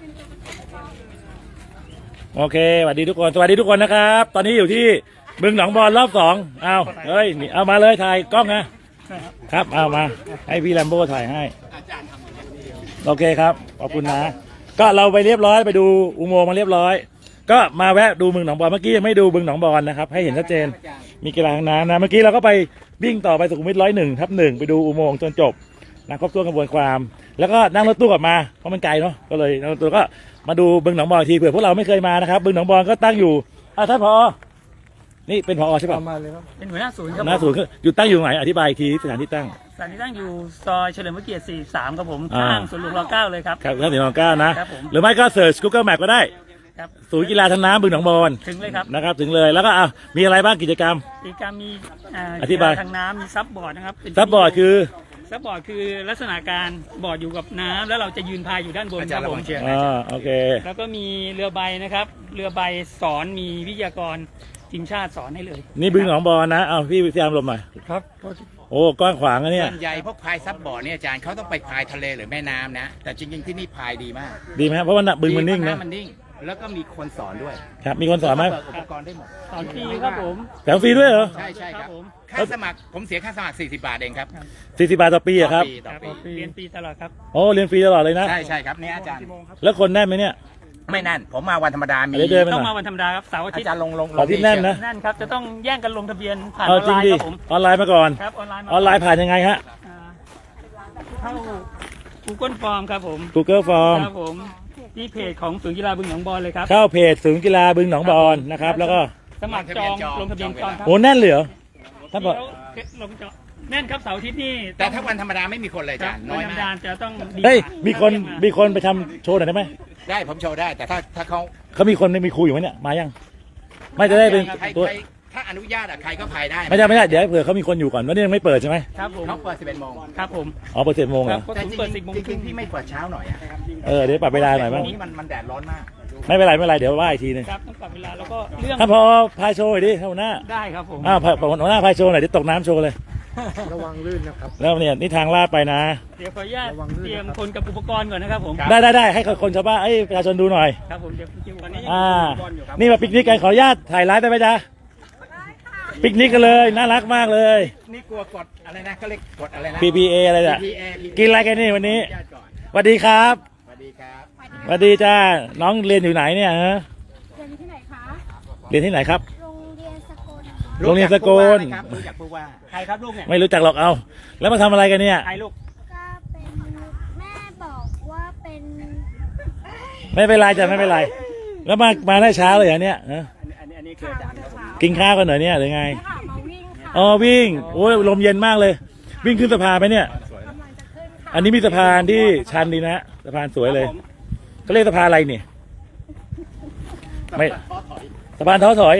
โอเคสวัสดีทุกคนสวัสดีทุกคนนะครับตอนนี้อยู่ที่บึงหนองบอนรอบสองเอาเฮ้ยนี่เอามาเลยถ่ายกล้องนะครับเอามาให้พี่แลมโบ้ถ่ายให้โอเคครับขอบคุณนะก็เราไปเรียบร้อยไปดูอุโมงค์มาเรียบร้อยก็มาแวะดูบึงหนองบอนเมื่อกี้ยังไม่ดูบึงหนองบอนนะครับให้เห็นชัดเจนมีกีฬาทางน้ำนะเมื่อกี้เราก็ไปวิ่งต่อไปสุขุมวิท101/1ไปดูอุโมงค์จนจบนะครบถ้วนกระบวนความแล้วก็นั่งรถตู้กลับมาเพราะมันไกลเนาะก็เลยนั่งรถตู้ก็มาดูบึงหนองบอนทีเผื่อพวกเราไม่เคยมานะครับบึงหนองบอนก็ตั้งอยู่ท่านผอ.นี่เป็นผอ.ใช่ป่ะมาเลยครับเป็นหัวหน้าศูนย์ครับหน้าศูนย์อยู่ตั้งอยู่ไหนอธิบายอีกทีสถานที่ตั้งสถานที่ตั้งอยู่ซอยเฉลิมพระเกียรติ43ครับผมข้างสวนหลวงร9เลยครับครับที่ร9นะครับผมหรือไม่ก็เสิร์ช Google Map ก็ได้ครับศูนย์กีฬาทางน้ำบึงหนองบอนถึงเลยครับนะครับถึงเลยแล้วก็มีอะไรบ้างกิจกรรมมีอธิบายทางน้ำมีซับบอร์ดนะครับซับบอร์ดคือซับบอร์ดคือลักษณะการบอร์ดอยู่กับน้ำแล้วเราจะยืนพายอยู่ด้านบนครับผมโอเคแล้วก็มีเรือใบนะครับเรือใบสอนมีวิทยากรทีมชาติสอนให้เลยนี่บึงหนองบอนนะพี่วิทยามลมหน่อยครับโอ้กว้างขวางนะเนี่ยส่วนใหญ่พวกพายซับบอร์ดเนี่ยอาจารย์เขาต้องไปพายทะเลหรือแม่น้ำนะแต่จริงๆที่นี่พายดีมากดีไหมเพราะว่าบึงมันนิ่งนะมันนิ่งแล้วก็มีคนสอนด้วยครับมีคนสอนไหมอุปกรณ์ได้หมดสอนฟรีครับผมแถมฟรีด้วยเหรอใช่ครับค่าสมัครผมเสียค่าสมัคร40 บาทเองครับ 40 บาทต่อปีอะครับเรียนฟรีตลอดครับโอ้เรียนฟรีตลอดเลยนะใช่ครับนี่อาจารย์แล้วคนแน่นไหมเนี่ยไม่แน่นผมมาวันธรรมดามีต้องมาวันธรรมดาครับเสาร์อาทิตย์อาจารย์ลงที่แน่นนะแน่นครับจะต้องแย่งกันลงทะเบียนผ่านออนไลน์ครับผมออนไลน์มาก่อนครับออนไลน์ผ่านยังไงฮะเข้า Google Form ครับผม Google Form ครับผมที่เพจของศูนย์กีฬาบึงหนองบอนเลยครับเข้าเพจศูนย์กีฬาบึงหนองบอนนะครับแล้วก็สมัครจองลงทะเบียนจองครับโอ้แน่นเลยเหรอท่านบอกลงจองแน่นครับเสาร์อาทิตย์นี่แต่ถ้าวันธรรมดาไม่มีคนเลยอาจารย์น้อยมากจะต้องเฮ้ยมีคนไปทำโชว์หน่อยได้ไหมได้ผมโชว์ได้แต่ถ้าเขามีคนมีครูอยู่ไหมเนี่ยมายังไม่จะได้เป็นตัวถ้าอนุญาตใครก็พายได้ไม่ได้เดี๋ยวเผื่อเขามีคนอยู่ก่อนวันนี้ยังไม่เปิดใช่ไหมครับผมเขาเปิด11 โมงครับผมเปิด11 โมงเหรอแต่จริงๆพี่ไม่เปิดเช้าหน่อยเดี๋ยวปรับเวลาหน่อยบ้างนี้มันแดดร้อนมากไม่เป็นไรเดี๋ยวว่าอีกทีนึงครับต้องปรับเวลาแล้วก็เรื่องถ้าพอพายโชว์ดิหัวหน้าได้ครับผมหัวหน้าพายโชว์หน่อยเดี๋ยวตกน้ำโชว์เลยระวังลื่นนะครับแล้วเนี่ยนี่ทางลาดไปนะเดี๋ยวขออนุญาตเตรียมคนกับอุปกรณ์ก่อนนะครับผมได้ให้คนชาวบ้านประชาชนดูหน่อยครับผมเดี๋ยววันนี้นี่มาปิกนิกกันขออนุญาตถ่ายไลฟ์ได้ไหมจ๊ะปิกนิกกันเลยน่ารักมากเลยนี่กลัวกดอะไรนะเขาเรียกกดอะไรนะ PPA อะไรอ่ะกินอะไรกันนี่วันนี้สวัสดีครับสวัสดีครับสวัสดีจ้าน้องเรียนอยู่ไหนเนี่ยฮะเรียนที่ไหนคะเรียนที่ไหนครับโรงเรียนสกลรู้จักผู้ว่าใครครับลูกเนี่ยไม่รู้จักหรอกเอาแล้วมาทำอะไรกันเนี่ยใครลูกก็เป็นแม่บอกว่าเป็นไม่เป็นไรจ้ะไม่เป็นไรแล้วมาได้เช้าเลยเหรอเนี่ยอันนี้คืออาจารย์กินข้าวกันหน่อยเนี่ยหรือไงมาวิ่งค่ะวิ่งโอ้ยลมเย็นมากเลยวิ่งขึ้นสะพานไปเนี่ยอันนี้มีสะพานที่ชันดีนะสะพานสวยเลยเขาเรียกสะพานอะไรนี่ไม่สะพานท้อถอย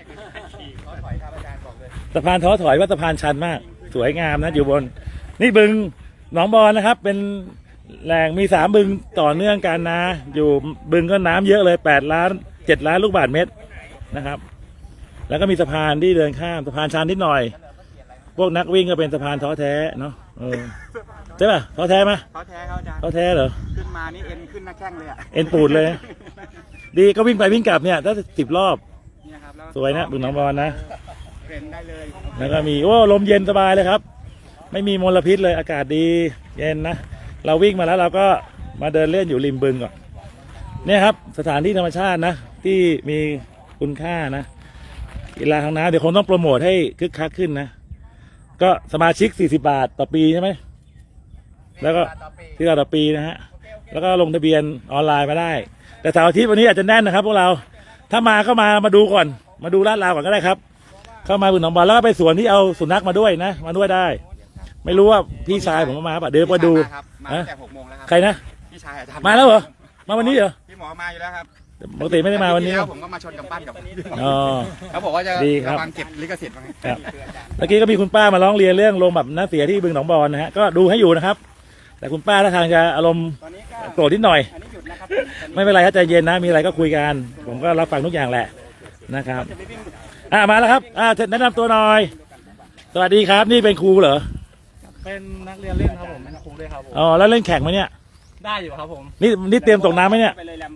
สะพานท้อถอยว่าสะพานชันมากสวยงามนะอยู่บนนี่บึงหนองบอนนะครับเป็นแหล่งมี3 บึงต่อเนื่องกันนะอยู่บึงก็น้ำเยอะเลย7 ล้านลูกบาศก์เมตรนะครับแล้วก็มีสะพานที่เดินข้ามสะพานชันนิดหน่อยพวกนักวิ่งก็เป็นสะพานท้อแท้เนาะใช่ป่ะท้อแท้ไหมท้อแท้เขาอาจารย์ท้อแท้เหรอขึ้นมานี่เอ็นขึ้นหน้าแข้งเลยอ่ะเอ็นปูดเลยดีก็วิ่งไปวิ่งกลับเนี่ยถ้า10 รอบสวยนะบึงหนองบอนนะได้เลยแล้วก็มีลมเย็นสบายเลยครับไม่มีมลพิษเลยอากาศดีเย็นนะเราวิ่งมาแล้วเราก็มาเดินเล่นอยู่ริมบึงก่อนเนี่ยครับสถานที่ธรรมชาตินะที่มีคุณค่านะกีฬาทางน้ำเดี๋ยวคงต้องโปรโมทให้คึกคักขึ้นนะก็สมาชิก40 บาทต่อปีใช่ไหมแล้วก็ที่ต่อปีนะฮะแล้วก็ลงทะเบียนออนไลน์มาได้แต่เสาร์อาทิตย์วันนี้อาจจะแน่นนะครับพวกเราถ้ามาก็มาดูก่อนมาดูลาดราวก่อนก็ได้ครับเข้ามาบึงหนองบอนแล้วก็ไปสวนที่เอาสุนัขมาด้วยนะมาด้วยได้ไม่รู้ว่าพี่ชายผมมาป่ะเดี๋ยวมาดูมาตั้งแต่6 โมงแล้วครับใครนะพี่ชายมาแล้วเหรอมาวันนี้เหรอพี่หมอมาอยู่แล้วครับปกติไม่ได้มาวันนี้ผมก็มาชนกับปั้นกับเขาบอกว่าจะระวังเก็บลิขสิทธิ์เมื่อกี้ก็มีคุณป้ามาร้องเรียนเรื่องลมแบบน้ำเสียที่บึงหนองบอนนะฮะก็ดูให้อยู่นะครับแต่คุณป้าท่าทางจะอารมณ์โกรธนิดหน่อยไม่เป็นไรครับใจเย็นนะมีอะไรก็คุยกันผมก็รับฟังทุกอย่างแหละนะครับมาแล้วครับแนะนำตัวหน่อยสวัสดีครับนี่เป็นครูเหรอเป็นนักเรียนเล่นครับผมเป็นครูด้วยครับผมแล้วเล่นแข่งไหมเนี่ยได้อยู่ครับผมนี่เตรียมตกน้ำไหมเนี่ย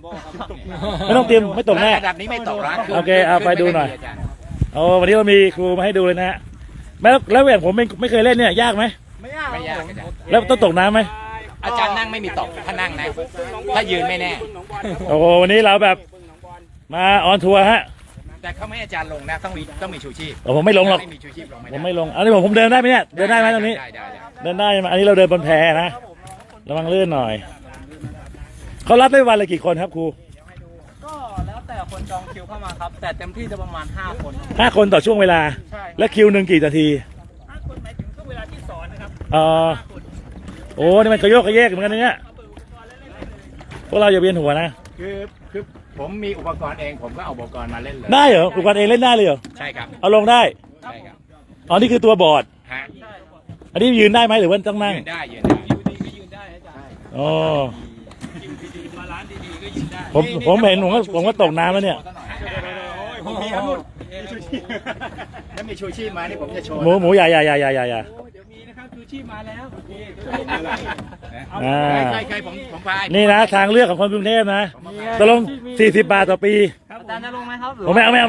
ไม่ต้องเตรียมไม่ตกแน่ระดับนี้ไม่ตกนะโอเคเอาไปดูหน่อยาจารโอ้วันนี้เรามีครูมาให้ดูเลยนะฮะแล้วอย่างผมไม่เคยเล่นเนี่ยยากไหมไม่ยากอาจารย์แล้วต้องตกน้ำไหมอาจารย์นั่งไม่มีตกถ้านั่งนะถ้ายืนไม่แน่โอ้โหวันนี้เราแบบมาออนทัวร์ฮะแต่เขาไม่ให้อาจารย์ลงนะต้องมีชูชีพโอ้ผมไม่ลงหรอกไม่มีชูชีพลงไม่ผได้มไม่ลงอันนี้ผมเดินได้ไหมเนี่ยเดินได้ไหมตรงนี้ได้เดินได้ไหมอันนี้เราเดินบนแพนะระวังลื่นหน่อยเขารับได้วันละกี่คนครับครูก็แล้วแต่คนจองคิวเข้ามาครับ แต่เต็มที่จะประมาณ 5 คน 5 คนต่อช่วงเวลาใช่และคิวหนึ่งกี่นาที 5 คนหมายถึงช่วงเวลาที่สอนนะครับโอ้นี่มันกระโยกกระแยกเหมือนกันนะเนี่ยพวกเราอย่าเวียนหัวนะคือผมมีอุปกรณ์เองผมก็เอาอุปกรณ์มาเล่นเลยได้เหรออุปกรณ์เองเล่นได้เลยเหรอใช่ครับเอาลงได้ใช่ครับอ๋อนี่คือตัวบอร์ดฮะอันนี้ยืนได้ไหมหรือว่าต้องนั่งยืนได้ยืนได้อ๋อผมเห็นผมก็ตกน้ำแล้วเนี่ยผมมีครับถ้ามีชูชีพมานี่ผมจะโชว์หมูใหญ่เดี๋ยวมีนะครับคือชีพมาแล้วอ่าใครผมพายนี่นะทางเลือกของคนกรุงเทพนะตกลง40 บาทต่อปีอาจารย์จะลงไหมครับหรือผมไม่เอา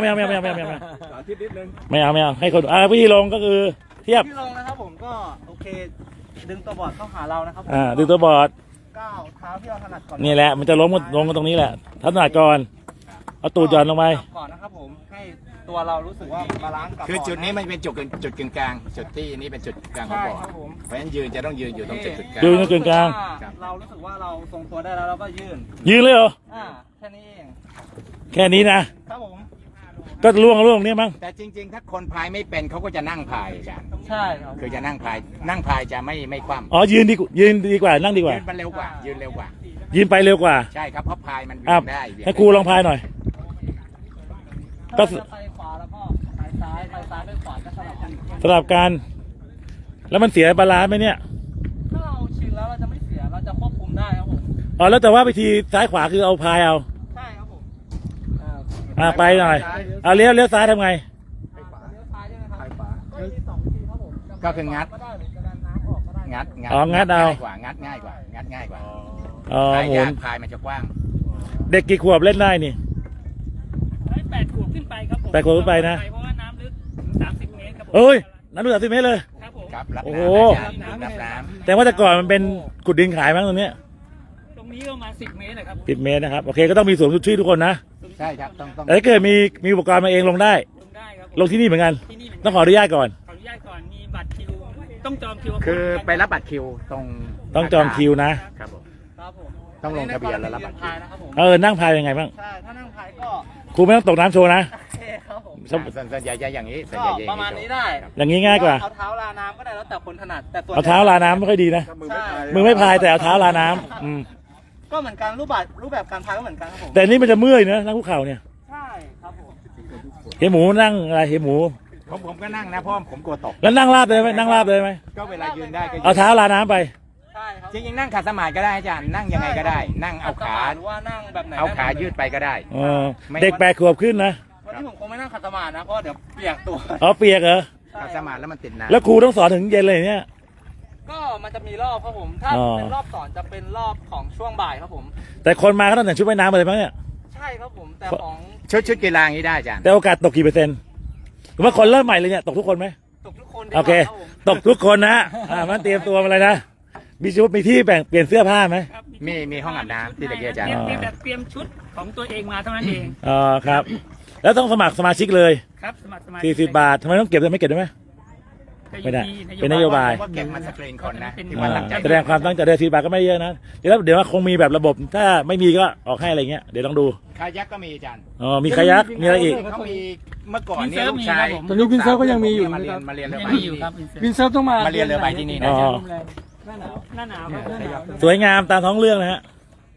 ให้คนวิธีลงก็คือเทียบที่ลงนะครับผมก็โอเค ดึงตัวบอร์ดเข้าหาเรานะครับดูตัวบอร์ดก้าวเท้าที่เราถนัดก่อนนี่แหละมันจะลงกันตรงนี้แหละทัศนาก่อนเอาตูดหย่อนลงไปก่อนนะครับผมให้ตัวเรารู้สึกว่าบาลานซ์กับคือจุดนี้มันเป็นจุดกึ่งกลางจุดที่นี่เป็นจุดกลางของใช่บ่อครับผมเพราะฉะนั้นยืนจะต้องยืนอยู่ตรงจุดกลางยืนกึ่งกลางถ้เรารู้สึกว่าเราทรงตัวได้แล้วเราก็ยืนยืนเลยเหรอแค่นี้เองแค่นี้นะครับผมก็ล่วงนี่มั้งแต่จริง ๆ ถ้าคนพายไม่เป็นเขาก็จะนั่งพายอาจารย์ใช่ครับคือจะนั่งพายจะไม่คว่ำอ๋อยืนดีกว่านั่งดีกว่ายืนมันเร็วกว่ายืนเร็วกว่ายืนไปเร็วกว่าใช่ครับเพราะพายมันอ่ะวิ่งได้เบี่ยงให้ครูลองพายหน่อย ก็ถ้าเราจะไปขวาแล้วก็ไปซ้ายไปขวาก็สลับกันสลับกันแล้วมันเสียบาลานซ์ไหมเนี่ยถ้าเราชินแล้วเราจะไม่เสียเราจะควบคุมได้ครับผมอ๋อแล้วแต่ว่าวิธีซ้ายขวาคือเอาพายเอาใช่ครับผมไปหน่อยเอาเลี้ยวซ้ายทำไงเลี้ยวซ้ายใช่ไหมครับก็มี2 วิธีครับผมก็คืองัดก็ได้หรือจะดันน้ำออกก็ได้งัดอ๋องัดเอาง่ายกว่างัดง่ายกว่างัดง่ายกว่าอ๋อพายหมุยาน กพายมันจะกว้างเด็กกี่ขวบเล่นได้นี่ 8 ขวบขึ้นไปครับผม 8 ขวบขึ้นไปนะเพราะว่าน้ำลึกถึง30 เมตรครับผมเอ้ยน้ำดู30 เมตรเลยครับผมครับรับโอ้น้โหำรับน้แต่ว่าแต่ก่อนมันเป็นกุดดินขายมั้งตรงเนี้ยตรงนี้ประมาณ10 เมตรนะครับ 10 เมตรนะครับโอเคก็ต้องมีสวมชุดชีพทุกคนนะำใช่ครับต้องแต่ถ้าเกิดมีอุปกรณ์มาเองลงได้ลงได้ครับผมลงที่นี่เหมือนกันที่นี่เหมือนต้องขออนุญาตก่อนขออนุญาตก่อนมีบัตรคิวต้องจองคิวคือไปรับบัตรคิวตรงต้องจองคิวนะครับผมครับผมต้องลงทะเบียนแล้วรับบัตรคิวพายนะครับผมนั่งพายยังไงบ้างใช่ถ้านั่งพายก็ครูไม่ต้องตกน้ำโชว์นะโอเคครับผมส่วนใหญ่จะอย่างนี้ส่วนก็ใหญ่จะอย่ประมาณนี้ได้อย่างนี้ง่ายกว่าเอาเท้าลาน้ำก็ได้แล้วแต่คนถนัดแต่ส่วนเอาเท้าลาน้ำไม่ค่อยดีนะใช่มือไม่พายแต่เอาเท้าลาน้ำก็เหมือนกันรูปแบบการพายก็เหมือนกันครับผมแต่นี่มันจะเมื่อยนะนั่งคุกเข่าเนี่ยใช่ครับผมเฮียหมูนั่งอะไรเฮียหมูผมก็นั่งนะเพราะผมกลัวตกแล้วนั่งราบเลยไหมนั่งราบเลยไหมก็เวลายืนได้ก็ยืนเอาเท้าลาน้ำไปใช่ครับจริงๆนั่งขัดสมาธิก็ได้อาจารย์นั่งยังไงก็ได้ นั่งเอาขาหรือว่านั่งแบบไหนเอาขายืดไปก็ได้เด็ก8 ขวบขึ้นนะวันนี้ผมคงไม่นั่งขัดสมาธินะเพราะเดี๋ยวเปียกตัวอ๋อเปียกเหรอขัดสมาธิแล้วมันติดน้ำแล้วครูต้องสอนถึงเย็นเลยเนี่ยก็มันจะมีรอบครับผม ถ้าอ๋อเป็นรอบสอนจะเป็นรอบของช่วงบ่ายครับผมแต่คนมาก็ต้องแต่งชุดว่ายน้ำมาเลยมั้งเนี่ยใช่ครับผม แต่ของชุดกีฬาอย่างนี้ได้อาจารย์แต่โอกาสตกกี่เปอร์เซ็นต์หรือว่าคนเริ่มใหม่เลยเนี่ยตกทุกคนไหมตกทุกคนโอเคดีกว่ารับผมตกทุกคนนะมันเตรียมตัวมาเลยนะมีชุดมีที่แบ่งเปลี่ยนเสื้อผ้าไหมครับมีห้องอาบน้ำที่ตะกี้อาจารย์เตรียมชุดของตัวเองมาเท่านั้นเองอ๋อครับ แล้วต้องสมัครสมาชิกเลยครับสมัคร 40 บาททำไมต้องเก็บได้ไม่เก็บได้ไหม ไม่ได้เป็นนโยบายว่าเก็บมันสกรีนคนนะที่อ่ามันตั้งใจแสดงความตั้งใจได้40 บาทก็ไม่เยอะนะเดี๋ยวว่าคงมีแบบระบบถ้าไม่มีก็ออกให้อะไรเงี้ยเดี๋ยวลองดูคายักก็มีอาจารย์อ๋อมีคายักมีอะไรอีกเขามีเมื่อก่อนเนี่ยวินเซิร์ฟลูกชายมีครับผมตอนนี้วินเซิร์ฟก็ยังมีอยู่มาเรียนะนครับมาเรียนเรือยังใบมีอยู่ครับวินเซิร์ฟต้องมามาเรียนเรือใบที่นี่นะอ๋อหน้าหนาวครับสวยงามตามท้องเรื่องนะฮะ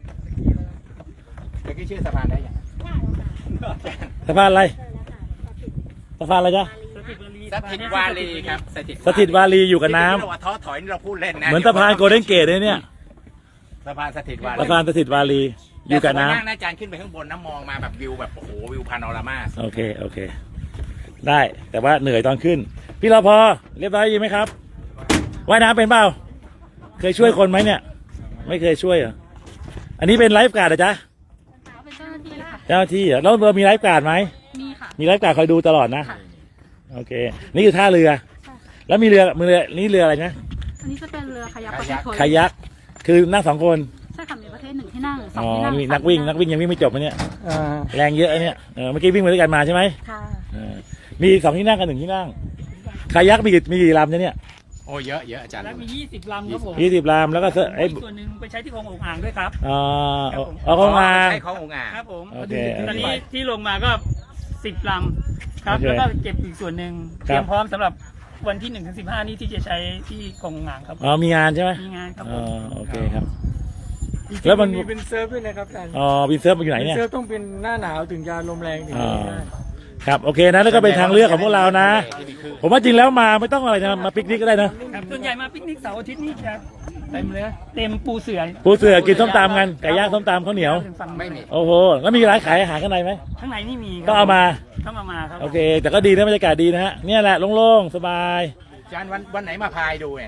เมื่อกี้ชื่อสะพานได้ยังสะพานอะไรสะพานอะไรจ๊ะสถิตวารีครับสถิตวารีอยู่กับน้ำที่เราว่าท้อถอยนี่เราพูดเล่นนะเหมือนสะพานโกลเด้นเกตเลยเนี่ยสะพานสถิตวารีสะพานสถิตวารีอยู่กับน้ำแต่สมัยนั่งนะอาจารย์ขึ้นไปข้างบนน้ำมองมาแบบวิวแบบโอ้โหวิวพาโนรามาโอเค ได้แต่ว่าเหนื่อยตอนขึ้น พี่รพเรียบร้อยดีไหมครับว่ายน้ำเป็นเปล่าเคยช่วยคนไหมเนี่ย ไม่เคยช่วยเหรออันนี้เป็นไลฟ์การ์ดเหรอจ๊ะเจ้าหน้าที่เหรอแล้วเรามีไลฟ์การ์ดไหมมีค่ะมีไลฟ์การ์ดคอยดูตลอดนะค่ะโอเค นี่คือท่าเรือ แล้วมีเรือนี่เรืออะไรนะอันนี้จะเป็นเรือคายักประเภทโทยคายักคือนั่งสองคนใช่ค่ะมีประเภทหนึ่งที่นั่งสองอ๋อที่นั่งนี่นักวิ่งยังวิ่งไม่จบนะเนี่ยแรงเยอะนะเนี่ยเมื่อกี้วิ่งมาด้วยกันมาใช่ไหมค่ะมีสองที่นั่งกับหนึ่งที่นั่งคายักมีกี่ลำเนี่ยโอ้เยอะเยอะอาจารย์แล้วมี 20 ลำครับผม 20 ลำแล้วก็ไอ้อีกส่วนหนึ่งไปใช้ที่คลององอ่างด้วยครับเอาเข้ามาใช่ขององค์อ่างครับผมโอเคตอนนี้ที่ลงมาก็ 10 ลำครับโอเคแล้วก็เก็บอีกส่วนหนึ่งคเตรับรียมพร้อมสำหรับวันที่1 ถึง 15 นี้ที่จะใช้ที่คลององอ่างครับมีงานใช่ไหมมีงานครับอ๋ผอมโอเคครับจริงๆแล้วมันเป็นเซิร์ฟด้วยนะครับอาจารย์บินเซิร์ฟมันอยู่ไหนเป็นเนี่ยเซิร์ฟต้องเป็นหน้าหนาวถึงจะลมแรงถึงจะได้ครับโอเคนะแล้วก็เป็นทางเลือกของพวกเรานะ ผมว่าจริงแล้วมาไม่ต้องอะไรนะมาปิกนิกก็ได้นะครับส่วนใหญ่มาปิกนิกเสาร์อาทิตย์นี่จะเต็มเลยเต็มปูเสือปูเสือกินส้มตำกันไก่ย่างส้มตำข้าวเหนียวถึงฝั่งไม่มีโอ้โหแล้วมีร้านขายอาหารข้างในไหมข้างในนี่มีครับก็เอามาต้องเอามาครับโอเค แต่ก็ดีนะบรรยากาศดีนะฮะเนี่ยแหละโล่งๆสบายอาจารย์วันไหนมาพายดูเนี่ย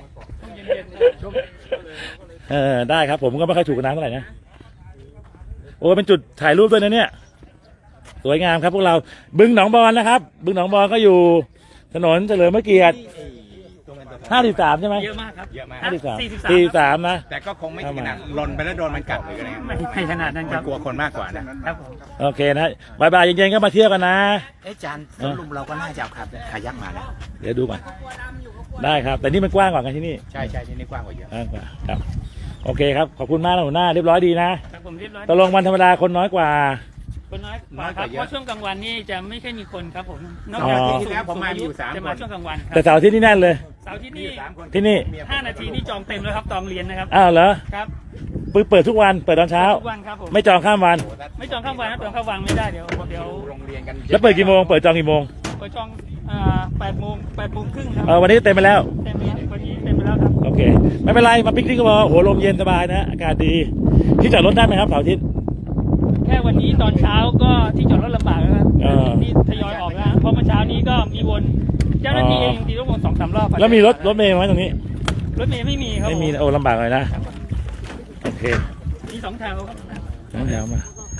ได้ครับผมก็ไม่ค่อยถูกกับน้ำเท่าไหร่นะโอ้เป็นจุดถ่ายรูปด้วยนะเนี่ยสวยงามครับพวกเราบึงหนองบอนนะครับ บึงหนองบอนก็อยู่ถนนเฉลิมพระเกียรติ53ใช่ไหมเยอะมากครับเยอะมาก 43นะแต่ก็คงไม่ถึงขนาดหล่นไปแล้วโดนมันกัดหรืออะไรเงี้ยไม่ขนาดนั้นคมัรันบกลัวคนมากกว่านะครับผมโอเคนะบายบายเย็นๆก็มาเที่ยวกันนะอาจารย์สรุปเราก็น่าจะเอาครับขายักมาแล้วเดี๋ยวดูก่อนได้ครับ แต่นี่มันกว้างกว่ากันที่นี่ใช่ใช่ที่นี่กว้างกว่าเยอะกว้างกว่าครับโอเคครับขอบคุณมากนะหัวหน้าเรียบร้อยดีนะครับผมเรียบร้อยตกลงวันธรรมดาคนน้อยกว่าคนน้อยกว่าครับเพราะช่วงกลางวันนี่จะไม่ค่อยมีคนครับผมนอกอ๋อจากที่แล้วผมมาอยู่3 จะคมาน ช่วงกลางวันครัแต่เสาร์อาที่นี่แน่นเลยเสาร์ที่นี่ที่นี่ 5 นาทีนี่จองเต็มแล้วครับจองเรียนนะครับอ้าวเหรอครับเปิดทุกวันเปิดตอนเช้าทุกวันครับผมไม่จองข้ามวันไม่จองข้ามวันนะจองข้ามวันไม่ได้เดี๋ยวโรงเรียนกันแล้วเปิดกี่โมงเปิดจองกี่โมงไปจอง8 โมงครึ่งครับวันนี้เต็มไปแล้วเต็มแล้ววันนี้เต็มไปแล้วครับโอเคไม่เป็นไรมาปิกนิกก็พอโหลมเย็นสบายนะอากาศดีที่จอดรถได้ไหมครับเสาร์อาทิตย์แค่วันนี้ตอนเช้าก็ที่จอดรถลำบากแล้วครับ นี่ทยอยออกแล้วเพราะเมื่อเช้านี้ก็มีวนเจ้าหน้าที่เองตีรถวน2-3 รอบแล้วมีรถเมล์ไหมตรงนี้รถเมย์ไม่มีครับไม่มีโอ้ลำบากเลยนะโอเคมี2 แถวครับน้องแถวมา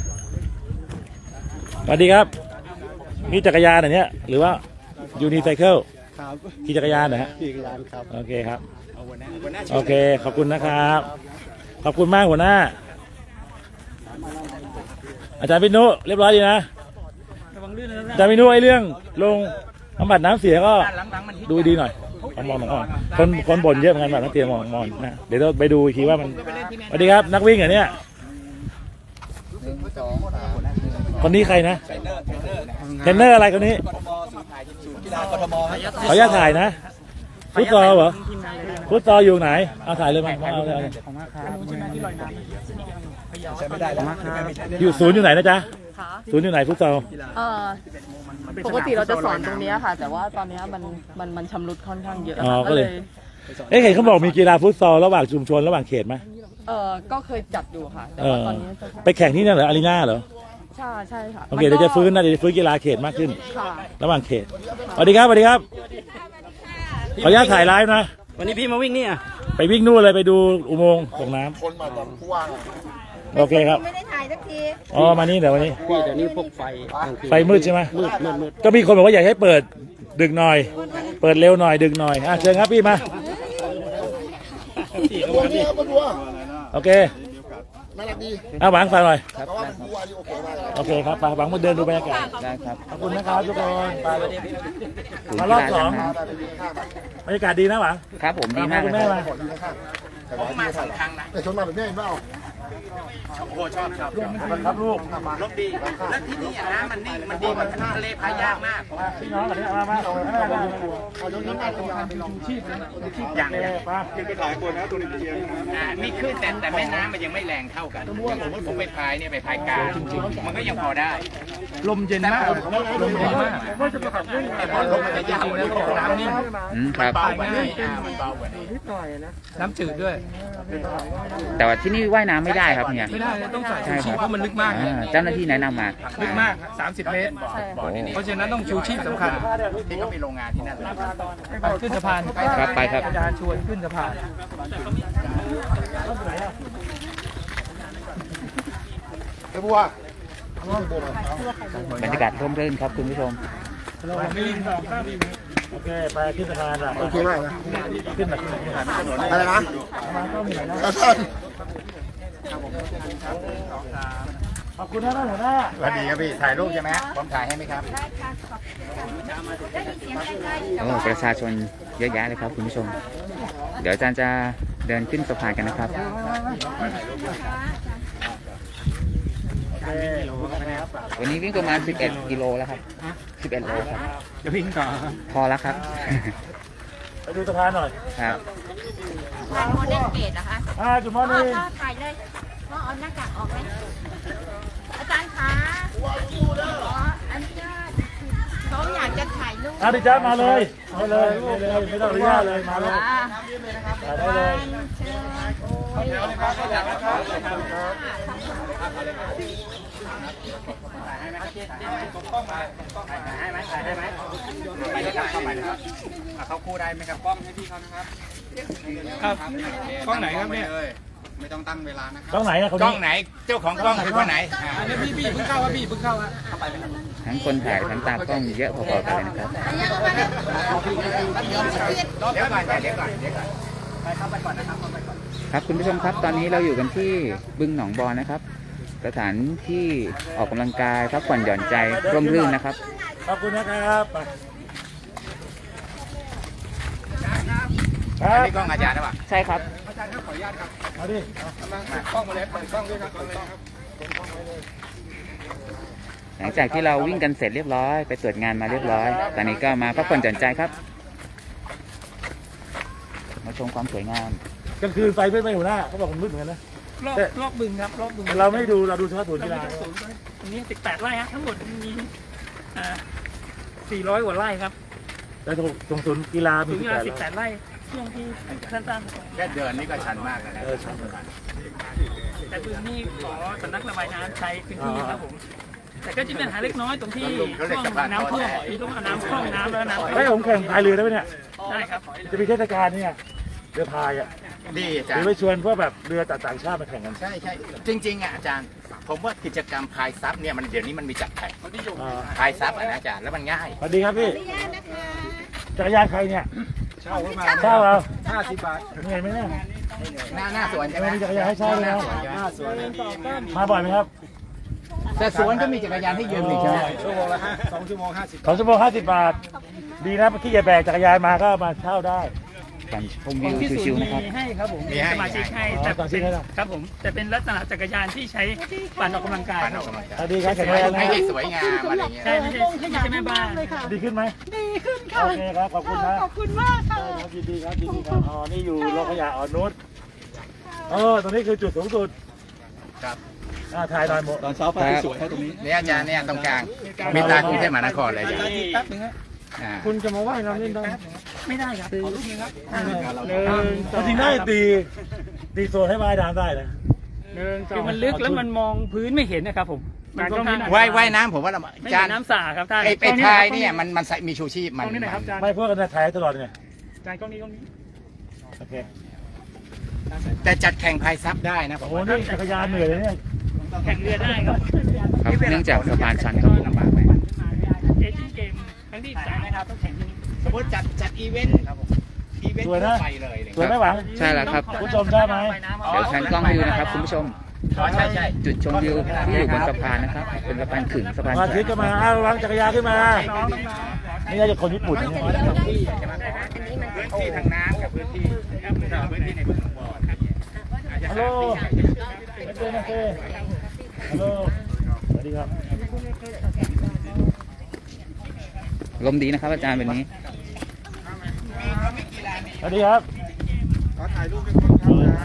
สวัสดีครับมีจักรยานอันเนี้ยหรือว่ายูนิไซเคิลครับขี่จักรยานนะฮะพี่กยานครับโอเคครับโอเคขอบคุณนะครับขอบคุณมากหัวหน้า อาจารย์พินุเรียบร้อยดีนะระวังลื่นนะอาจารย์พินุไอ้เรื่องลงบำบัดน้ำเสียก็หลังๆมันฮิตดูดีหน่อยมองก่อนคนบ่นเยอะเหมือนกันแบบนักเตรียมมองนะเดี๋ยวเราไปดูอีกทีว่ามันสวัสดีครับนักวิ่งเหรอเนี่ยคนนี้ใครนะเทรนเนอร์อะไรคนนี้ขออนุญาตถ่ายนะฟุตซอลเหรอฟุตซอลอยู่ไหนเอาถ่ายเลยมาเอาเลยอยู่ศูนย์อยู่ไหนนะจ๊ะค่ะศูนย์อยู่ไหนฟุตซอลเอ่อปกติเราจะสอนตรงเนี้ยค่ะ แต่ว่าตอนเนี้ยมันชำรุดค่อนข้างเยอะอ๋อค่ะก็เลย เห็นเขาบอกมีกีฬาฟุตซอลระหว่างชุมชนระหว่างเขตไหมก็เคยจัดอยู่ค่ะ แต่ว่าตอนนี้จะไปแข่งที่นั่นเหรออารีนาเหรอใช่ค่ะโอเคเดี๋ยวจะฟื้นนะเดี๋ยวจะฟื้นกีฬาเขตมากขึ้นค่ะระหว่างเขตสวัสดีครับสวัสดีครับขออนุญาตถ่ายไลฟ์นะวันนี้พี่มาวิ่งนี่อ่ะไปวิ่งนู่นเลยไปดูอุโมงค์ส่งน้ำโอเคครับไม่ได้ถ่ายสักทีอ๋อมานี่เดี๋ยววันนี้พี่เดี๋ยวนี้พวกไฟไฟมืดใช่ไหมมืดก็มีคนบอกว่าอยากให้เปิดดึกหน่อย เปิดเร็วหน่อยดึกหน่อยเชิญครับพี่มาโอเคหวังฟังหน่อยโอเคครับหวังมาเดินดูบรรยากาศได้ครับขอบคุณนะครับทุกคนมารอบ2บรรยากาศดีนะหวังครับผมดีมากคุณเลแม่ยมาผมมา2 ครั้งนะแต่ชนมาแบบนี้เห็นเปล่าโอ้โหชอบครับลูกรถดีแล้วที่นี่น้ำมันนิ่งมันดีมันทะเลพายยากมากพี่น้องกันเนี่ยมาอย่างอย่างเงี้ยมานี่ขึ้นแต่แม่น้ำมันยังไม่แรงเท่ากันผมไปพายเนี่ยไปพายกลางมันก็ยังพอได้ลมเย็นมากลมเย็นมากแต่พอลมมันจะยาวแล้วน้ำนิ่งครับเบากว่านี่มันเบากว่านี่นิดหน่อยนะน้ำจืดด้วยแต่ว่าที่นี่ว่ายน้ำไม่ได้ครับเนี่ยไม่ได้เลยต้องใส่ใช่ชูคชีพรับเพราะมันลึกมากเจ้าหน้าที่แนะนำมาลึกมาก 30 เมตร เพราะฉะนั้นต้องชูชีพสำคัญที่เขามีโรงงานที่นั่นไปขึ้นสะพานครับไปครับอาจารย์ชวนขึ้นสะพานไอ้บัวบรรยากาศร่มรื่นครับคุณผู้ชมโอเคไปขึ้นสะพานอ่ะโอเคมากนะขึ้นแบบอะไรนะมาก็มีนะขอบคุณนะท่านหัวหน้าสวัสดีครับพี่ ถ่ายรูปใช่ไหมผมถ่ายให้ไหมครับโอ้ประชาชนเยอะแยะเลยครับคุณผู้ชม เดี๋ยวอาจารย์จะเดินขึ้นสะพานกันนะครับ วันนี้วิ่งประมาณ 11 กิโลแล้วครับ 11 โลครับจะวิ่งต่อพอแล้วครับไปดูสะพานหน่อยครับทางโมเดลเกตนะคะจุดมอนี่พ่อถ่ายเลยพ่อเอาหน้ากากออกไหมอาจารย์คะขออนุญาตเขาอยากจะถ่ายรูปดิจ้ามาเลยมาเลยไม่ต้องอนุญาตเลยมาเลยถ่ายได้เลยเขาคู่ได้ไหมครับกล้องให้พี่เขานะครับครับกล้องไหนครับเนี่ยไม่ต้องตั้งเวลานะครับกล้องไหนอะเขากล้องไหน เจ้าของกล้องคือคนไหนอันนี้พี่เพิ่งเข้าครับพี่เพิ่งเข้าฮะทั้งคนถ่ายทั้งตากล้องเยอะพอๆกันเลยนะครับเดี๋ยวก่อนเดี๋ยวก่อนครับคุณผู้ชมครับตอนนี้เราอยู่กันที่บึงหนองบอนนะครับ สถานที่ออกกำลังกายพักผ่อนหย่อนใจร่มรื่นนะครับขอบคุณนะครับคอัรันบนี้กล้องอาจารย์หรือเปล่าใช่ครับเอาดิกล้องมาเลยเปิดกล้องด้วยครับเปิดกล้องครับหลังจากที่เราวิ่งกันเสร็จเรียบร้อยไปตรวจงานมาเรียบร้อย ตอนนี้ก็มาพักผ่อนหย่อนใจครับ มาชมความสวยงามกลางคืนไฟไม่หัวหน้าเขาบอกมันมืดเหมือนกันนะรอบบึงครับรอบบึงแต่เราไม่ดูเราดูเฉพาะศูนย์กีฬาตรงนี้18 ไร่ฮะทั้งหมดมี400 กว่าไร่ครับแต่ตรงศูนย์กีฬามีถึงเวลา 18 18 ไร่ช่วงที่สั้นแค่เดินนี่ก็ชันมากแล้วนะๆแต่พื้นที่ขอสำนักระบายน้ำใช้พื้นที่ครับผม แต่ก็จะมีปัญหาเล็กน้อยตรงที่ช่วงน้ำท่วมที่ต้องเอาน้ำคล่องน้ำแล้วน้ำให้ผมแข่งพายเรือได้ไหมเนี่ยได้ครับจะมีเทศกาลเนี่ยเรือพายอ่ะดีอาหจารรือย์ไปชวนพวกแบบเรือต่างชาติมาแข่งกันใช่จริงๆอ่ะอาจารย์ ผมว่ากิจกรรมพายซับเนี่ยมันเดี๋ยวนี้มันมีจัดแข่งอ่าพายซับอ่ะนะอาจารย์แล้วมันง่ายสวัสดีครับพี่จักรยานใครเนี่ยเช่าเข้ามาเช่าเอา 50 บาทเหนื่อยไหมเนี่ยหน้าสวนใช่ไหมมีจักรยานให้เช่าเลยนะหน้าสวนมาบ่อยไหมครับแต่สวนก็มีจักรยานให้ยืมอีกใช่ไหมชั่วโมงละ2 ชั่วโมง 50 2 ชั่วโมง 50 บาท ดีนะที่จะแบกจักรยานมาก็มาเช่าได้การชมวิวชิวๆนะครับมีให้ครับผมมีให้สมาชิกให้อ๋อแต่สมาชิกให้เหรอครับผมแต่เป็นลักษณะจักรยานที่ใช้ปั่นออกกำลังกายปั่นออกกำลังกายสวัสดีครับแข็งแรงนะไม่ให้สวยงามอะไรอย่างเงี้ยใช่ไม่ใช่แม่บ้านดีขึ้นไหมดีขึ้นค่ะโอเคครับ ขอบคุณนะขอบคุณมากค่ะครับยินดีครับยินดีครับ อ๋อ นี่อยู่โรงขยะอ่อนนุชตรงนี้คือจุดสูงสุดครับถ่ายหน่อยหมดตอนเช้าฟ้าสวยให้ตรงนี้เนี่ยอาจารย์เนี่ยตรงกลางมีตากรุงเทพมหานครเลยอาจารย์แป๊บนึงฮะอ่าคุณจะมาว่ายน้ำเล่นได้ไม่ได้ครับจริงได้ตีโซนให้ว่ายน้ำได้นะคือมันลึกแล้วมันมองพื้นไม่เห็นนะครับผมมันค่อนข้างว่ายน้ำผมว่าเราไม่อาเห็จารนย์น้ำสาครับท่านไอ้พายเนี่ยมันใส่มีชูชีพมันไม่พวกกันถ่ายตลอดไงจานกล้องนี้โอเคแต่จัดแข่งพายซับได้นะผมโอ้ว่านี่จักรยานเหนื่อยเลยเนี่ยแข่งเรือได้ครับครับเนื่องจากสะพานชันครับผมลำบากไหมเอเชียนเกมครั้งที่3นะครับต้องแข่งที่นี่สมมติจัดอีเวนต์อีเวนต์ทั่วไปเลยสวยไหมหวังใช่แล้วครับคุณผู้ชมได้ไหมเดี๋ยวชันกล้องให้ดูนะครับคุณผู้ชมใช่จุดชมวิวที่อยู่บนสะพานนะครับ เป็นสะพานขึงสะพานมาแขวทิศก็มาอ้าววางจักรยานขึ้นมา นี่น่าจะคนญี่ปุ่นนะพื้นที่ทางน้ำกับพื้นที่ในบึงหนองบัวครับฮัลโหลโอเคฮัลโหลสวัสดีครับลมดีนะครับอาจารย์วันนี้สวัสดีครับขอถ่ายรูปเป็นคนครับนะ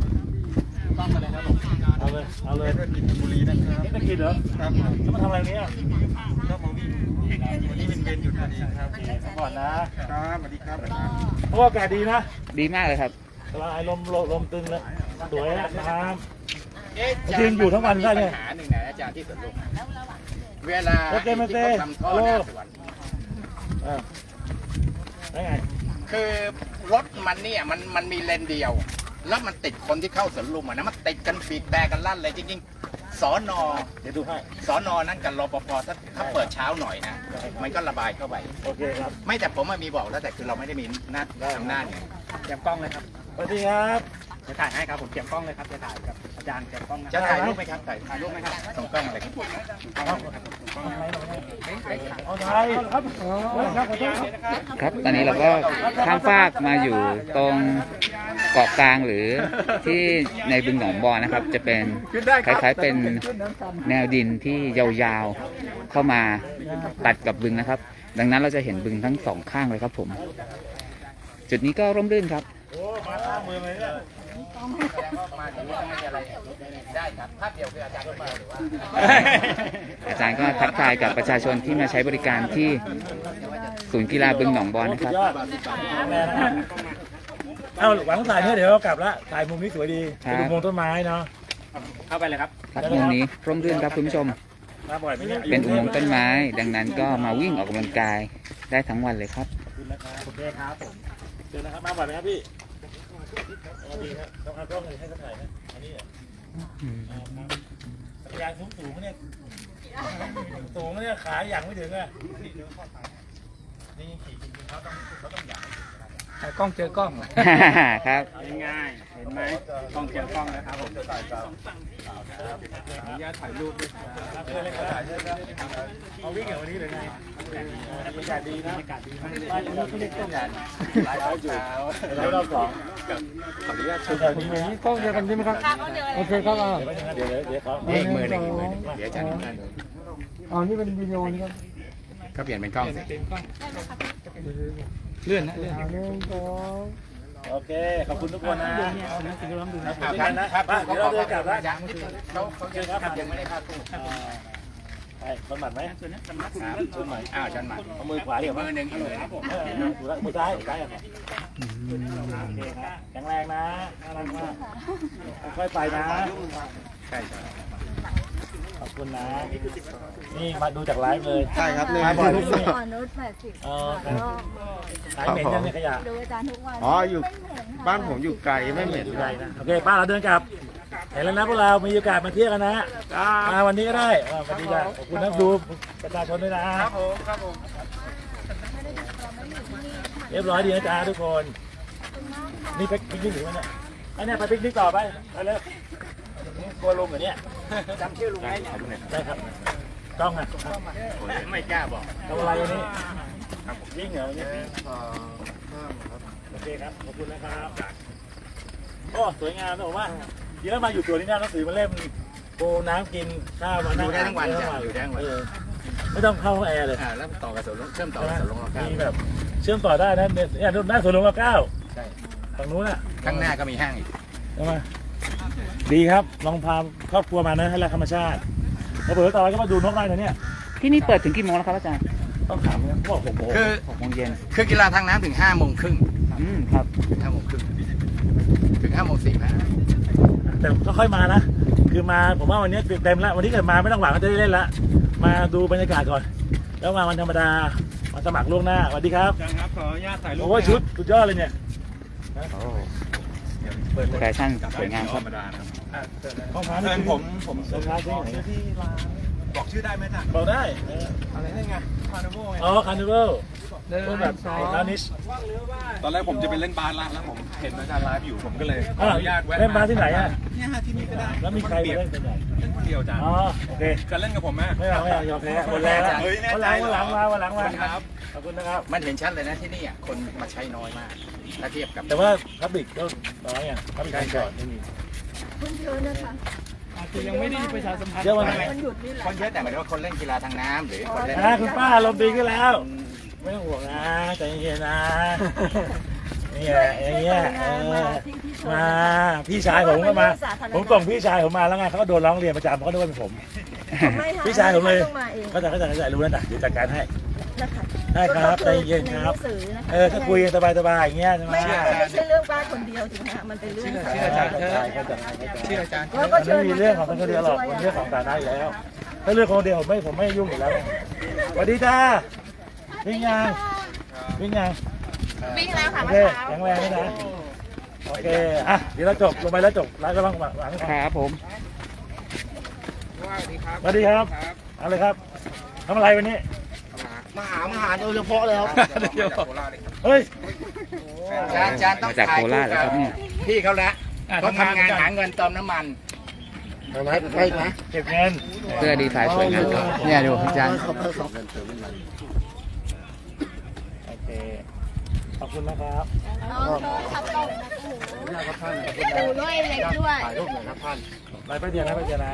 เอาเลยบุรีนะครับนี่ตะกินเหรอครับแล้วมาทำอะไรเนี่ยก็มาวิ่งวันนี้เป็นเวรหยุดพอดีครับก่อนนะครับสวัสดีครับเพราะว่าอากาศดีนะดีมากเลยครับลายลมตึงเลยสวยนะน้ยืนอยู่ทั้งวันได้เนี่ยปัญหาหนึ่งนะอาจารย์ที่สวนลุมเวลาที่เขาทำท่อหน้าสวนำได้ไงคือรถมันเนี่ยมันมีเลนเดียว แล้วมันติดคนที่เข้าสวนลุมอ่ะนะมันติดกันบีบแต่กันลั่นเลยจริงๆสอนอเดี๋ยวดูให้สอนอนั้นกับรปภถ้าเปิดเช้าหน่อยนะ มันก็ระบายเข้าไปโอเคครับไม่แต่ผมมีบอกแล้วแต่คือเราไม่ได้มีหน้าอำนาจไงเตรียมกล้องเลยครับสวัสดีครับจะถ่ายให้ครับผมเตรียมกล้องเลยครับจะถ่ายกับอาจารย์เตรียมกล้องนะจะถ่ายรูปไหมครับถ่ายรูปไหมครับส่งกล้องอะไรครับเอาไทยครับครับขอโทษครับครับ ตอนนี้เราก็ข้ามฟากมาอยู่ตรงเกาะกลางหรือที่ในบึงหนองบอนนะครับ จะเป็นคล้ายๆเป็นแนวดินที่ยาวๆเข้ามาตัดกับบึงนะครับ ดังนั้นเราจะเห็นบึงทั้งสองข้างเลยครับผม จุดนี้ก็ร่มรื่นครับโอ้มาข้ามมือเลยเนี่ยได้ครับภาพเดียวคืออาจารย์คนเดียวหรือว่าอาจารย์ก็ทักทายกับประชาชนที่มาใช้บริการที่ศูนย์กีฬาบึงหนองบอนนะครับยอดแม่นะครับเอาหวังถ่ายเนี่ยเดี๋ยวเรากลับละถ่ายมุมนี้สวยดีครับเป็นอุโมงค์ต้นไม้เนาะเข้าไปเลยครับครับมุมนี้ร่มรื่นครับคุณผู้ชมมาบ่อยไหมเนี่ยเป็นอุโมงค์ต้นไม้ ดังนั้นก็มาวิ่งออกกำลังกายได้ทั้งวันเลยครับขอบคุณนะครับโอเคครับผมเชิญนะครับมาบ่อยไหมครับพี่สวัสดีครับต้องเอากล้องเลยให้เขาถ่ายนะอันนี้เหรอจักรยานสูงๆเนี่ยสูงเนี่ยขาอย่างไม่ถึงอ่ะนี่ขี่จริงๆเขาต้องอยากถ่ายกล้องเจอกล้องครับง่ายๆเห็นไหมกล้องเจอกล้องนะครับผมอนุญาตถ่ายรูปด้วยครับเพื่อนเล่นกระต่ายเชิญครับเอาวิ่งอย่างวันนี้เลยไงบรรยากาศดีนะบ้านนี้เขาเรียกต้นยางหลายอยู่แล้วรอบสองขออนุญาตชมแถวนี้ไหมกล้องเดียวกันใช่ไหมครับโอเคครับเดี๋ยวเขาเอกมือหนึ่งเดี๋ยวอาจารย์อ๋อนี่เป็นวิดีโอนี่ครับก็เปลี่ยนเป็นกล้องสิเลื่อนนะเลื่อนโอเคขอบคุณทุกคนนะเอานะคุณรับดูนะครับนะครับเดี๋ยวเราเดินกลับแล้วเขาเชิญครับยังไม่ได้ภาพคู่ใช่คนหมัดไหมส่วนนี้สำนักครับชนใหม่อ้าวอาจารย์หมัดเอามือขวาเดี๋ยวมือหนึ่งเอาเลยครับผมมือซ้ายซ้ายอ่ะโอเคครับแข็งแรงนะน่ารักมากค่อยไปนะใช่ใช่ขอบคุณนะ นี่มาดูจากไลฟ์เลยใช่ครับเลยมาบ่อยที่นี่อ่อนนุช80 หายเหม็นยังเนี่ยขยะดูอาจารย์ทุกวันอ๋ออยู่บ้านผมอยู่ไกลไม่เหม็นใช่นะโอเคป้าเราเดินกลับ เห็นแล้วนะพวกเรา มีโอกาสมาเที่ยวกันนะมาวันนี้ก็ได้สวัสดีจ้ะขอบคุณนะดูประชาชนด้วยนะครับผมครับผมเรียบร้อยดีนะจ๊ะทุกคน นี่ไปปิกนิกหรือวะเนี่ยไอ้เนี่ยไปปิกนิกต่อไปไปเลยกลัวลงเหรอเนี่ยจำชื่อลุงได้ใช่ครับกล้องอ่ะไม่กล้าบอกทำอะไรวันนี้วิ่งเหรอวันนี้โอเคครับขอบคุณนะครับโอ้สวยงามนะผมว่าทีแล้วมาอยู่ตัวนี้น่าหนังสือมาเล่มโปน้ำกินข้าวมาอยู่ได้ทั้งวันจ้ะอยู่ได้ทั้งวันไม่ต้องเข้าห้องแอร์เลยแล้วต่อกับสวนเชื่อมต่อกับสวนลงข้าวมีแบบเชื่อมต่อได้นะเนี่ยหน้าสวนหลวงรอ 9 ใช่ฝั่งนู้นอ่ะข้างหน้าก็มีห้างอีกใช่ไหมดีครับลองพาครอบครัวมานะให้รักธรรมชาติแล้วเผื่อต่อไปก็มาดูนกได้นะเนี่ยที่นี่เปิดถึงกี่โมงแล้วครับอาจารย์ต้องถามเนี่ยเขาบอก6 โมงคือ 6 โมงเย็นคือกีฬาทางน้ำถึง5 โมงครึ่งครับ 5 โมงครึ่งถึง5 โมง 45 แต่ก็ค่อยมานะ คือมาผมว่าวันนี้เต็มแล้ววันนี้เกิดมาไม่ต้องหวังว่าจะได้เล่นละมาดูบรรยากาศก่อน แล้วมาวันธรรมดามาสมัครล่วงหน้าสวัสดีครับอาจารย์ครับขออนุญาตถ่ายรูปโอ้ยชุดสุดยอดเลยเนี่ยแฟชั่นสวยงามครับห้องพักเชิญผมห้องพักที่ไหนที่ร้านบอกชื่อได้ไหมจ๊ะบอกได้อะไรนี่ไงคาร์นิวัลไงอ๋อคาร์นิวัลพวกแบบคาร์นิชตอนแรกผมจะไปเล่นบาสละแล้วผมเห็นอาจารย์ไลฟ์อยู่ผมก็เลยขออนุญาตแวะเล่นบาสที่ไหนอ่ะเนี่ยฮะที่นี่ก็ได้แล้วมีใครมาเล่นเป็นไงเล่นคนเดียวอาจารย์อ๋อโอเคจะเล่นกับผมไหมไม่เอายอมแพ้หมดแรงแล้วเฮ้ยแน่วันใจหลังเหรอวันหลังมาครับขอบคุณนะครับมันเห็นชัดเลยนะที่นี่อ่ะคนมาใช้น้อยมากถ้าเทียบกับแต่ว่าพับบิกก็น้อยอ่ะพับบิกการจอดไม่มีคนเยอะนะคะอาจจะยังไม่ได้ประชาสัมพันธ์เยอะวันไหนมันหยุดนี่แหละคนเยอะแต่หมายถึงว่าคนเล่นกีฬาทางน้ำหรือคนเล่นคุณป้าลมณ์ดีขึ้นแล้ว ไม่ต้องห่วงนะใจเย็นๆนะนี่แหละอย่างเงี้ยมาพี่ชายผมก็มา ผมส่งพี่ชายผมมาแล้วไงเขาก็โดนร้องเรียนประจำเขาก็นึกว่าเป็นผม พี่ชายผมเลยต้องมาเองก็จะรู้แล้วนะเดี๋ยวจัดการให้นะคะได้ครับใจเย็นครับในหงสือนะคะถ้าคุยกันสบายๆอย่างเงี้ยใช่ไหมไม่ใช่เรื่องป้าคนเดียวถูกไหมคะมันเป็นเรื่องเชื่ออาจารย์เถอะเชื่ออาจารย์แล้วก็มันเชิญไม่มีเรื่องของคนเดียวหรอกมันเรื่องของฐานะอยู่แล้ว ถ้าเรื่องคนเดียวผมไม่ยุ่งอยู่แล้วสวัสดีจ้าวิ่งยังวิ่งยังวิ่งแล้วค่ะโอเมื่เคอเช้าแข็งแรงด้วยนะโอเคอ่ะเดี๋ยวเราจบลงไปแล้วจบแล้วก็ต้องหวังครับผมสวัสดีครับเอาเลยครับทำอะไรวันนี้มาหาโดยเฉพาะเลยครับเฮ้ยอาจารย์ต้องมาจากโคราชแล้วครับเนี่ยพี่เขาแล้วเขาทำงานหาเงินเติมน้ำมันไปไหมเก็บเงินเสื้อดีไซน์สวยงามครับเนี่ยดูอาจารย์โอเคขอบคุณนะครับน้องโทรศัพท์ตกดูด้วยเล็กด้วยถ่ายรูปหน่อยครับท่านไปไปเดียวนะไปเดียวนะ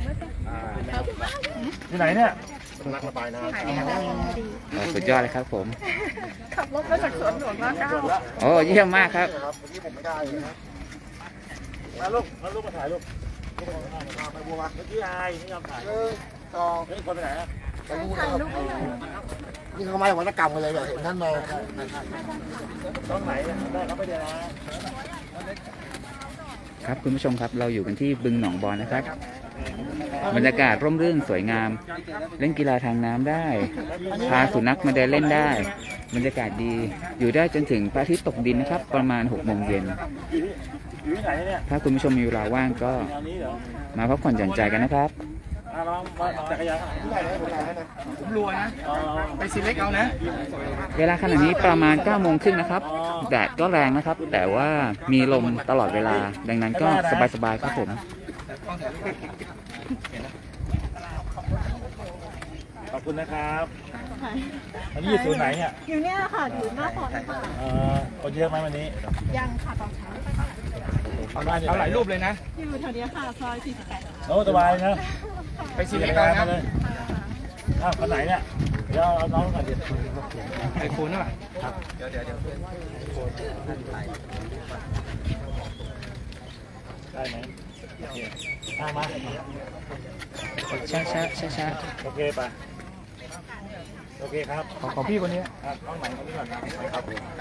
ที่ไหนเนี่ยนักระบายน้ำโอ้สุดยอดเลยครับผมขับรถมาจากสวนหลวงร9 โอ้เยี่ยมมากครับครับวันนี้ผมไม่ได้เลยนะมาลูกมาถ่ายลูกไปบัวมาเมื่อกี้อายไม่ยอมถ่ายต่อเฮ้ยคนไปไหนอะไปดูนะครับนี่เขาไม่วัฒกรรมกันเลยเหรอเห็นท่านมาต้องไหนเนี่ยได้ครับไปเดียวนะครับคุณผู้ชมครับเราอยู่กันที่บึงหนองบอนนะครับ บรรยากาศร่มรื่นสวยงาม เล่นกีฬาทางน้ำได้ พาสุนัขมาเดินเล่นได้ บรรยากาศดีอยู่ได้จนถึงพระอาทิตย์ตกดินนะครับ ประมาณ6 โมงเย็นอยู่ที่ไหนเนี่ยถ้าคุณผู้ชมมีเวลาว่างก็แถวนี้เหรอมาพักผ่อนหย่อนใจกันนะครับลองมาจักรยานที่ไหนนะผมถ่ายให้นะผมรวยนะ ไปซีเล็กเอานะเวลาขณะนี้ประมาณ9 โมงครึ่งนะครับแดดก็แรงนะครับ แต่ว่ามีลมตลอดเวลา ดังนั้นก็สบายๆครับผมขอบคุณนะครับอันนี้อยู่ศูนย์ไหนเนี่ยอยู่เนี่ยค่ะอยู่หน้าฟอนต์ค่ะคนเยอะไหมวันนี้ยังค่ะตอนเช้าเอาหลายรูปเลยนะอยู่แถวเนี้ยค่ะซอย48 โอ้สบายนะไปซีเล็กเอานะเลยอ้าวคนไหนเนี่ยเดี๋ยวเอาน้องก่อนดิไอ้คุณน่ะได้ไหมโอเคมาช้าโอเคไปโอเคครับของพี่คนนี้ครับต้องไหนคนนี้ก่อนครับ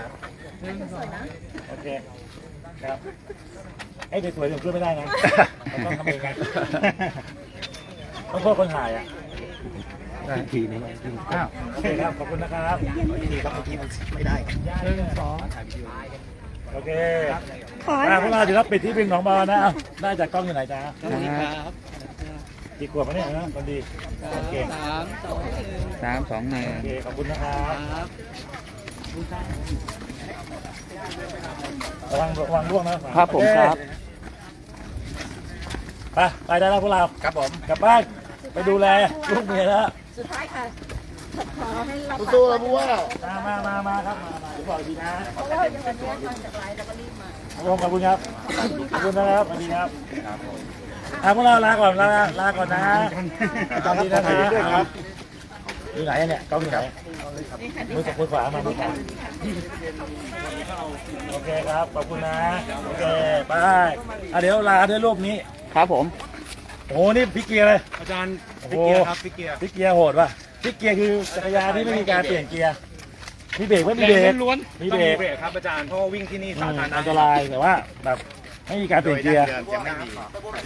โอเคครับไอ้สวยๆผมช่วยไม่ได้นะต้องทำเองไงต้องโทษคนถ่ายอ่ะทีนี้อ้าวโอเคครับขอบคุณนะครับทีครับทีมันไม่ได้โอเคพวกเราเดี๋ยวเราปิดที่บึงหนองบอนนะได้จากกล้องอยู่ไหนจ๊ะ กี่ขวบแล้วเนี่ยนะคนดีโอเค 3 2 1 โอเคขอบคุณนะครับระวังร่วงนะครับผมครับไปได้แล้วพวกเราครับผมกลับบ้านไปดูแลลูกเมียแล้วสุดท้ายค่ะขอให้เราสู้ๆแล้วบัวมาครับมาเดี๋ยวบอกอีกทีนะเพราะว่าวันนี้ทำจากไลน์แล้วก็รีบมาขอบคุณครับขอบคุณนะครับสวัสดีครับพวกเราลาก่อนลาก่อนนะตอนนี้นะครับอยู่ไหนเนี่ยกล้องอยู่ไหนมือขวามามือขวาโอเคครับขอบคุณนะโอเคไปเดี๋ยวลาด้วยรูปนี้ครับผมโอ้โหนี่พิกเกียร์เลยอาจารย์โอ้พิโหกเกียร์ครับพิกเกียร์พิกเกียร์โหดป่ะพิกเกียร์คือจักรยานที่ไม่มีการเปลี่ยนเกียร์มีเบรกไม่มีเบรกล้วนมีต้องเบรมีกเบรกครับอาจารย์เพราะว่าวิ่งที่นี่สาธารณะอันตรายแต่ว่าแบบไม่มีการเปลี่ยนเกียร์จะไม่มี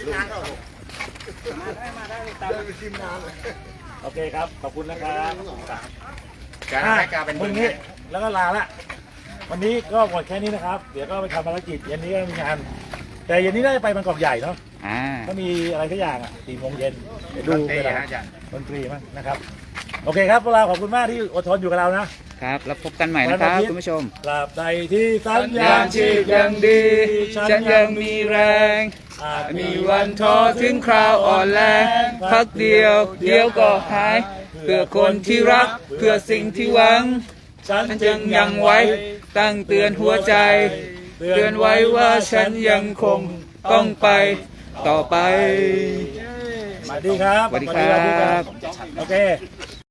โอเคครับขอบคุณนะครับการให้การเป็นมึงนี้แล้วก็ลาละวันนี้ก็หมดแค่นี้นะครับ เดี๋ยวก็ไปทำภารกิจเย็นนี้ก็มีงาน แต่เย็นนี้น่าจะไปบางกอกใหญ่เนาะ ก็มีอะไรทุกอย่างอ่ะ4 โมงเย็นเดี๋ยวดูเตะเวลาอาจารย์ดนตรีมั้งนะครับโอเคครับพวกเราขอบคุณมากที่อดทนอยู่กับเรานะครับแล้วพบกันใหม่นะครับคุณผู้ชมตราบใดที่สัญญาณชีพยังดี ฉันยังมีแรง มีวันท้อถึงคราวอ่อนแรงพักเดียวเดี๋ยวก็หาย เพื่อคนที่รัก เพื่อสิ่งที่หวัง ฉันจึงยังไว้ ตั้งเตือนหัวใจ เตือนไว้ว่าฉันยังคงต้องไปต่อไปสวัสดีครับสวัสดีครับโอเค